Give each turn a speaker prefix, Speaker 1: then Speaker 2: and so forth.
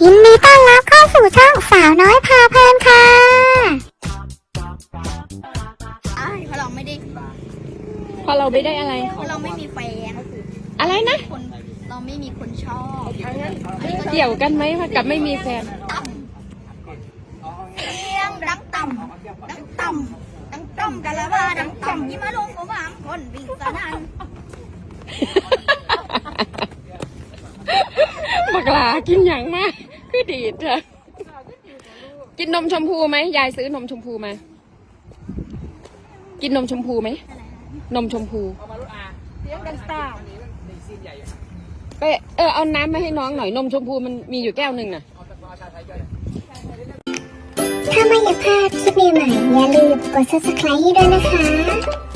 Speaker 1: ยินดีต้อนรับเข้าสู่ช่องสาวน้อยพาเพลินค่ะเพราะเราไม่ได้อะไรเพราะเราไม่มีแฟนอะไรนะคนเราไม่มีคนชอบ
Speaker 2: เกี่ยวกันไหมกับไม่มีแฟน
Speaker 1: เสียงดังต่ำดังต่ำดังต่ำกันละว่าดังต่ำยิ่งมาลงก็บางคนวิ่งสนั่น
Speaker 2: บักหลากินอย่างมากคือดีดเถอะกินนมชมพูไหมยายซื้อนมชมพูมากินนมชมพูไหมนมชมพูไปเอาน้ำมาให้น้องหน่อยนมชมพูมันมีอยู่แก้วหนึ่งน่ะ
Speaker 1: ถ้าไม่อยากพลาดคลิปใหม่ๆอย่าลืมกด subscribe ให้ด้วยนะคะ